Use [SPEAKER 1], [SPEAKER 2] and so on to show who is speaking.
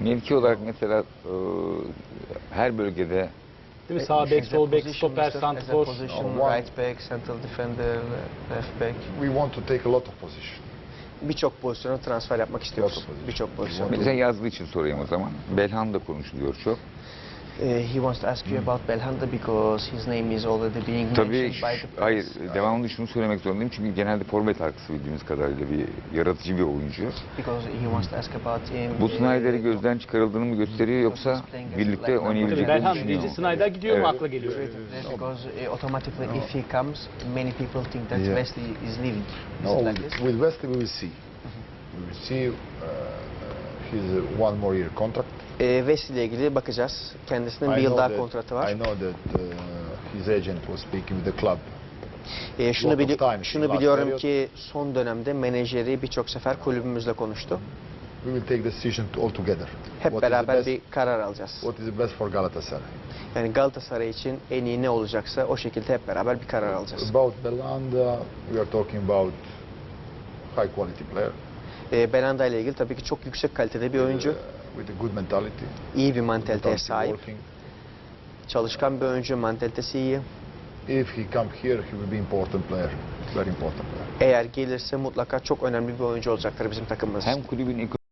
[SPEAKER 1] Mevki olarak mesela her bölgede
[SPEAKER 2] Değil mi? Sağ bek, sol bek, stoper,
[SPEAKER 3] As a
[SPEAKER 2] santrfor.
[SPEAKER 3] position,
[SPEAKER 4] One-
[SPEAKER 3] right back, central defender, left back.
[SPEAKER 4] We want to take a lot of position.
[SPEAKER 3] Birçok pozisyona transfer yapmak istiyoruz.
[SPEAKER 4] position.
[SPEAKER 3] Birçok pozisyon.
[SPEAKER 1] mesela yazdığı için sorayım o zaman. Belhanda konuşuluyor çok.
[SPEAKER 3] He wants to ask you about Belhanda because his name is already being
[SPEAKER 1] Tabii
[SPEAKER 3] mentioned by the
[SPEAKER 1] hayır
[SPEAKER 3] press.
[SPEAKER 1] devamlı şunu söylemek zorundayım çünkü genelde forvet arkası bildiğimiz kadarıyla bir yaratıcı bir oyuncu.
[SPEAKER 3] Because he wants to ask about him.
[SPEAKER 1] Bu Snyder'i gözden çıkarıldığını mı gösteriyor yoksa birlikte
[SPEAKER 2] Tabii
[SPEAKER 1] oynayabileceklerini
[SPEAKER 2] Belhanda
[SPEAKER 1] düşünüyor
[SPEAKER 2] deyince
[SPEAKER 1] mu?
[SPEAKER 2] Snyder gidiyor mu
[SPEAKER 1] Evet.
[SPEAKER 2] akla geliyor.
[SPEAKER 3] Because automatically if he comes, many people think that
[SPEAKER 4] Yeah.
[SPEAKER 3] Wesley is leaving. Is
[SPEAKER 4] No,
[SPEAKER 3] it like this?
[SPEAKER 4] with Wesley we will see. We will see. He's one more year contract.
[SPEAKER 3] Wesley ile ilgili bakacağız. Kendisinin bir
[SPEAKER 4] I
[SPEAKER 3] yıl
[SPEAKER 4] know
[SPEAKER 3] daha
[SPEAKER 4] that-
[SPEAKER 3] kontratı var.
[SPEAKER 4] I know that his agent was speaking with the club.
[SPEAKER 3] Şunu,
[SPEAKER 4] lot of time,
[SPEAKER 3] şunu
[SPEAKER 4] last
[SPEAKER 3] biliyorum
[SPEAKER 4] period.
[SPEAKER 3] ki son dönemde menajeri birçok sefer kulübümüzle konuştu.
[SPEAKER 4] We will take decision all together.
[SPEAKER 3] Hep
[SPEAKER 4] What is the
[SPEAKER 3] beraber
[SPEAKER 4] best-
[SPEAKER 3] bir karar alacağız.
[SPEAKER 4] What is the best for Galatasaray?
[SPEAKER 3] Yani Galatasaray için en iyi ne olacaksa o şekilde hep beraber bir karar alacağız.
[SPEAKER 4] About Belhanda, we are talking about high quality player.
[SPEAKER 3] Belhanda ile ilgili tabii ki çok yüksek kalitede bir oyuncu.
[SPEAKER 4] With a good mentality.
[SPEAKER 3] İyi bir mantaliteye
[SPEAKER 4] Mentality
[SPEAKER 3] sahip.
[SPEAKER 4] working.
[SPEAKER 3] Çalışkan bir oyuncu, mantalitesi iyi.
[SPEAKER 4] If he come here, he will be important player. Very important player.
[SPEAKER 3] Eğer gelirse mutlaka çok önemli bir oyuncu olacaktır bizim takımımız için.
[SPEAKER 1] Hem kulübün